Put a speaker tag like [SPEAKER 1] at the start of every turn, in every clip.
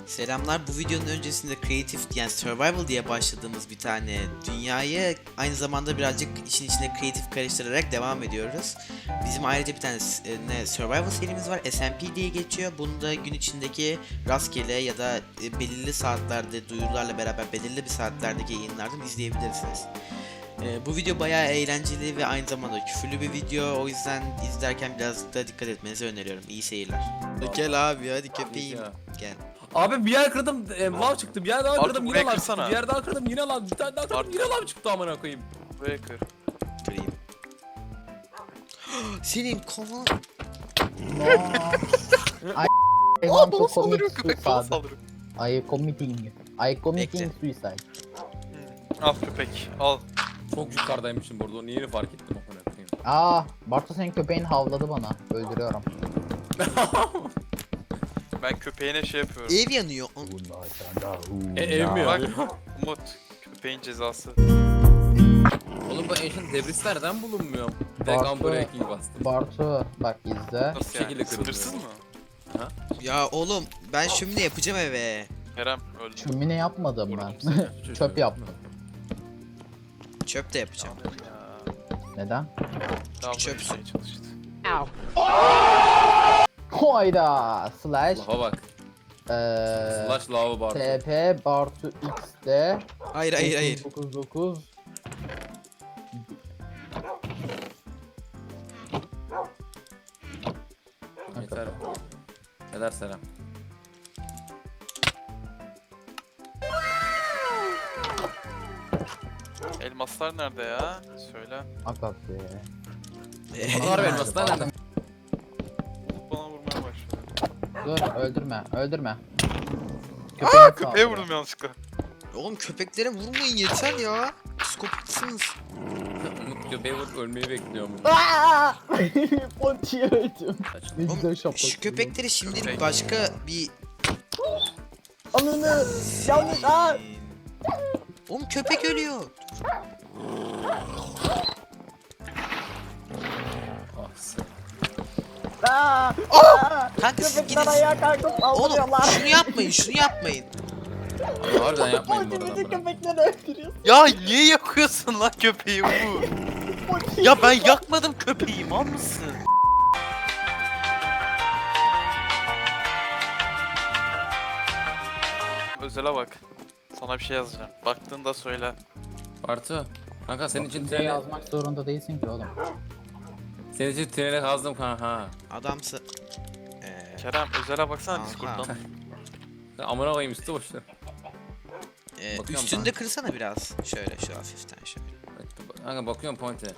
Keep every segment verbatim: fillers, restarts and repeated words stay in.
[SPEAKER 1] Selamlar. Bu videonun öncesinde Creative yani Survival diye başladığımız bir tane dünyayı aynı zamanda birazcık işin içine Creative karıştırarak devam ediyoruz. Bizim ayrıca bir tane e, ne Survival serimiz var. S M P diye geçiyor. Bunu da gün içindeki rastgele ya da e, belirli saatlerde duyurularla beraber belirli bir saatlerdeki yayınlardan izleyebilirsiniz. Ee, bu video bayağı eğlenceli ve aynı zamanda küfürlü bir video. O yüzden izlerken biraz da dikkat etmenizi öneriyorum. İyi seyirler. Gel abi hadi köpeğim. Gel.
[SPEAKER 2] Abi bir yer kırdım, e, lav çıktı. Bir yer daha
[SPEAKER 3] Artık
[SPEAKER 2] kırdım, yine
[SPEAKER 3] buraya
[SPEAKER 2] lav çıktı.
[SPEAKER 3] kırsana.
[SPEAKER 2] Bir yer daha kırdım, yine lav. Bir tane daha kırdım,
[SPEAKER 3] Artık-
[SPEAKER 2] yine lav çıktı amına koyayım.
[SPEAKER 3] Buraya kır.
[SPEAKER 1] Kırayım. Senin kafan.
[SPEAKER 4] I
[SPEAKER 3] Aa
[SPEAKER 4] want
[SPEAKER 3] bana
[SPEAKER 4] to
[SPEAKER 3] saldırıyor
[SPEAKER 4] commit
[SPEAKER 3] köpek bana
[SPEAKER 4] suicide.
[SPEAKER 3] saldırıyor.
[SPEAKER 4] I committing. I committing suicide.
[SPEAKER 3] Al köpek al.
[SPEAKER 2] Çok yukarıdaymışım burada, onu yeni fark ettim amına koyayım.
[SPEAKER 4] Aa, Bartu senin köpeğin havladı bana. Öldürüyorum.
[SPEAKER 3] Ben köpeğine şey yapıyorum.
[SPEAKER 1] Ev yanıyor.
[SPEAKER 2] E ev mi
[SPEAKER 3] Bak
[SPEAKER 2] ya?
[SPEAKER 3] Umut köpeğin cezası.
[SPEAKER 2] Oğlum bu ancient debris nereden bulunmuyor?
[SPEAKER 4] Bartu-
[SPEAKER 2] Vegan breaking bastım.
[SPEAKER 4] Bartu bak izle.
[SPEAKER 3] Nasıl
[SPEAKER 2] şekilde
[SPEAKER 3] yani?
[SPEAKER 2] kırılıyor.
[SPEAKER 3] Sınırsız mı?
[SPEAKER 1] Ya oğlum ben şömine yapacağım eve.
[SPEAKER 3] Kerem öldü.
[SPEAKER 4] Şömine yapmadım ben.
[SPEAKER 3] Vurdum seni.
[SPEAKER 4] Çöp yaptım.
[SPEAKER 1] Çöp de yapacağım.
[SPEAKER 3] Tamam ya.
[SPEAKER 4] Neden?
[SPEAKER 3] Daha
[SPEAKER 1] çöp
[SPEAKER 3] böyle şey çalıştı.
[SPEAKER 4] Hayda. Slash.
[SPEAKER 2] Laha bak.
[SPEAKER 4] Eee.
[SPEAKER 2] Slash lava Bartu.
[SPEAKER 4] T P Bartu X'de.
[SPEAKER 1] Hayır hayır hayır.
[SPEAKER 4] dokuz dokuz.
[SPEAKER 2] Yeter. Eder selam.
[SPEAKER 3] Elmaslar nerede ya? Söyle.
[SPEAKER 4] Akak be.
[SPEAKER 2] Bunlar benim aslında nerede?
[SPEAKER 3] Umut bana vurmaya başladı.
[SPEAKER 4] Dur öldürme öldürme.
[SPEAKER 3] Aa köpeğe
[SPEAKER 4] saldırı.
[SPEAKER 3] vurdum yanlışlıkla.
[SPEAKER 1] Oğlum köpeklere vurmayın yeter ya. Psikopatsınız.
[SPEAKER 2] Umut köpeği vurup ölmeyi bekliyor mu?
[SPEAKER 4] Aaa! Ponti'ye öldüm. Ne güzel
[SPEAKER 1] Oğlum
[SPEAKER 4] şapka.
[SPEAKER 1] şu köpekleri şimdilik
[SPEAKER 3] Köpek.
[SPEAKER 1] başka bir...
[SPEAKER 4] Ananı yanlış aa!
[SPEAKER 1] Oğlum köpek ölüyor.
[SPEAKER 2] Ah sen.
[SPEAKER 4] Aa!
[SPEAKER 1] Kanka siz
[SPEAKER 4] Köpekler
[SPEAKER 1] gidin.
[SPEAKER 4] ayağa kalkıp
[SPEAKER 1] Oğlum
[SPEAKER 4] saldırıyorlar.
[SPEAKER 1] şunu yapmayın şunu yapmayın.
[SPEAKER 2] Abi harbiden yapmayın bu
[SPEAKER 4] Ponti
[SPEAKER 2] arada.
[SPEAKER 4] bütün
[SPEAKER 2] amına.
[SPEAKER 4] köpekleri öldürüyor.
[SPEAKER 3] Ya niye yakıyorsun lan köpeği Umut?
[SPEAKER 4] Ponti.
[SPEAKER 3] Ya ben yakmadım köpeği mal mısın? Özele bak. Sana bir şey yazacağım. Baktığında söyle.
[SPEAKER 2] Bartu. Kanka senin için
[SPEAKER 4] Bize
[SPEAKER 2] tünele,
[SPEAKER 4] yazmak zorunda değilsin ki oğlum.
[SPEAKER 2] senin için tünele kazdım kanka.
[SPEAKER 1] Adamsı. Eee...
[SPEAKER 3] Kerem özele baksana
[SPEAKER 1] Aha.
[SPEAKER 3] Discord'dan.
[SPEAKER 2] Sen amına koyayım üstü boşta.
[SPEAKER 1] Ee,
[SPEAKER 2] Bakıyorum
[SPEAKER 1] üstünde
[SPEAKER 2] kanka.
[SPEAKER 1] kırsana biraz. Şöyle şu hafiften şöyle.
[SPEAKER 2] Kanka bakıyorum Ponte.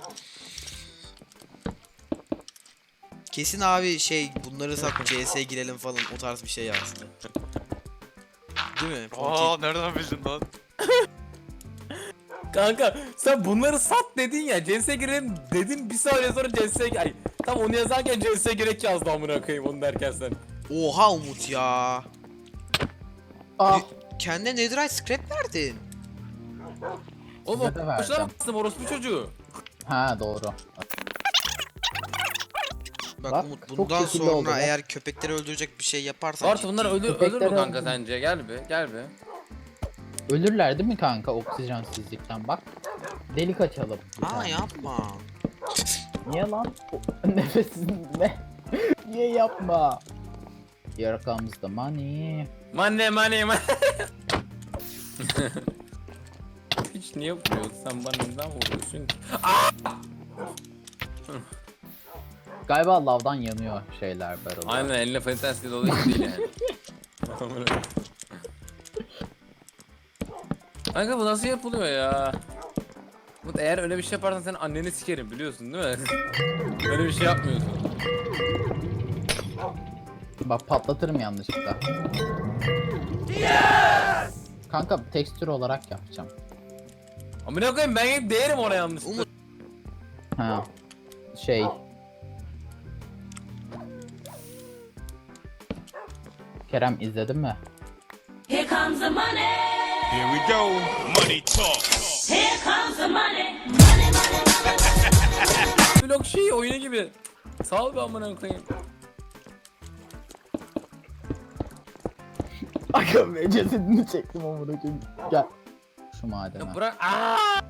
[SPEAKER 1] Kesin abi şey bunları sat C S'ye girelim falan o tarz bir şey yazdı. Değil mi?
[SPEAKER 3] Aa nereden bildin lan?
[SPEAKER 2] Kanka sen bunları sat dedin ya, C S'ye girelim dedin, bir saniye sonra C S'ye ay tam onu yazarken C S'ye gerek yazdı amına koyayım onu derken sen.
[SPEAKER 1] Oha Umut ya.
[SPEAKER 4] Ah!
[SPEAKER 1] Kendine netherite scrap verdin.
[SPEAKER 2] Oğlum
[SPEAKER 4] Size de
[SPEAKER 2] o
[SPEAKER 4] vereceğim.
[SPEAKER 2] kuşlar bastım orospu çocuğu.
[SPEAKER 4] Ha doğru.
[SPEAKER 1] Bak,
[SPEAKER 4] Bak,
[SPEAKER 1] Umut
[SPEAKER 4] çok
[SPEAKER 1] bundan
[SPEAKER 4] şekilli
[SPEAKER 1] sonra
[SPEAKER 4] oldu bak.
[SPEAKER 1] eğer köpekleri öldürecek bir şey yaparsan
[SPEAKER 2] Bartu bunlar ölür, ölür mü
[SPEAKER 4] Köpekleri
[SPEAKER 2] kanka
[SPEAKER 4] öldü.
[SPEAKER 2] sence? Gel be gel be.
[SPEAKER 4] Ölürler değil mi kanka oksijensizlikten bak. Delik açalım. bir
[SPEAKER 1] Aa
[SPEAKER 4] tane.
[SPEAKER 1] yapma.
[SPEAKER 4] Niye lan? O- Nefesin ne? Niye yapma? Here comes the money.
[SPEAKER 2] Money money money. Hiç niye vuruyorsun sen bana, neden vuruyorsun?
[SPEAKER 4] Galiba lavdan yanıyor şeyler barrel.
[SPEAKER 2] Aynen eline fantastik dolu hiç değil yani. Amına koyayım. Kanka bu nasıl yapılıyor ya? Umut eğer öyle bir şey yaparsan senin anneni sikerim biliyorsun değil mi? Öyle bir şey yapmıyorsun.
[SPEAKER 4] Bak patlatırım yanlışlıkla. Kanka tekstür olarak yapacağım.
[SPEAKER 2] Amına koyayım ben hep değerim ona yanlışlıkla.
[SPEAKER 1] Umut.
[SPEAKER 4] Ha. Şey. Kerem izledin mi?
[SPEAKER 5] Here comes the money.
[SPEAKER 6] Here we go. Money talk.
[SPEAKER 5] Here comes the money. Money, money, money.
[SPEAKER 2] Vlog şey oyunu gibi. Sağ ol be amına koyayım.
[SPEAKER 4] Aga be cesedini çektim amına koyayım. Gel. Şu madene.
[SPEAKER 2] Ya bırak. Aa!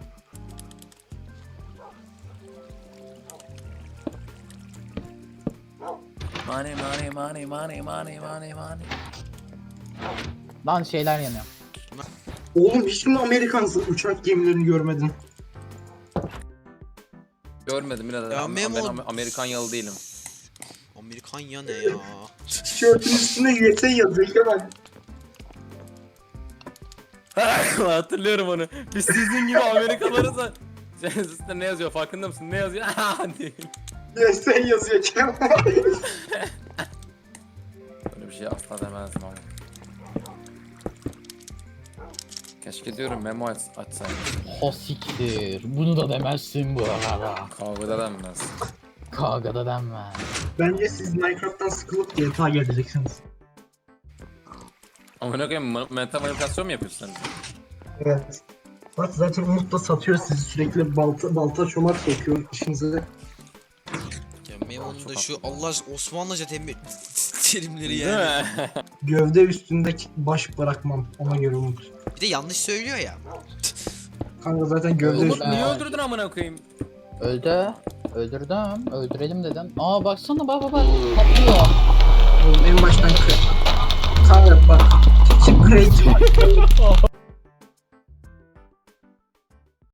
[SPEAKER 2] Money money money money money money money.
[SPEAKER 4] Lan şeyler yanıyor.
[SPEAKER 7] Oğlum hiç mi Amerikan uçak gemilerini görmedin?
[SPEAKER 2] Görmedim birader.
[SPEAKER 1] Ya
[SPEAKER 2] Am-
[SPEAKER 1] Memo-
[SPEAKER 2] Ben Am- Amerikan yalı değilim.
[SPEAKER 1] Amerikan ya ne ya?
[SPEAKER 7] Tişörtün üstünde U S A yazıyor Kemal.
[SPEAKER 2] Hatırlıyorum onu. Biz sizin gibi Amerikalılarız da. Senin üstünde ne yazıyor farkında mısın? Ne yazıyor? Değil.
[SPEAKER 7] U S A yazıyor Kemal.
[SPEAKER 2] Böyle bir şey asla demezdim ama. Keşke diyorum memo aç, açsaydım.
[SPEAKER 4] O siktir. Bunu da demezsin bu arada.
[SPEAKER 2] Kavgada denmez.
[SPEAKER 4] Kavgada denmez.
[SPEAKER 7] Bence siz Minecraft'tan sıkılıp G T A geleceksiniz.
[SPEAKER 2] Ama ne koyayım ma- mental manipülasyon mu yapıyorsun sen?
[SPEAKER 7] Evet. Bak zaten Umut da satıyor sizi sürekli balta balta çomak sokuyor işinize.
[SPEAKER 1] Ya Memo'nun da şu Allah aşkına Osmanlıca temi- terimleri
[SPEAKER 2] Değil
[SPEAKER 1] yani.
[SPEAKER 2] mi?
[SPEAKER 7] Gövde üstündeki baş bırakmam ona göre Umut.
[SPEAKER 1] Bir de yanlış söylüyor ya.
[SPEAKER 7] Kanka zaten gövde
[SPEAKER 2] Umut
[SPEAKER 7] üstünde.
[SPEAKER 2] niye öldürdün amına koyayım?
[SPEAKER 4] Öldü. Öldürdüm. Öldürelim dedim. Aa baksana bak bak bak. Patlıyor.
[SPEAKER 7] Oğlum en baştan kır. Kanka bak. Şimdi creative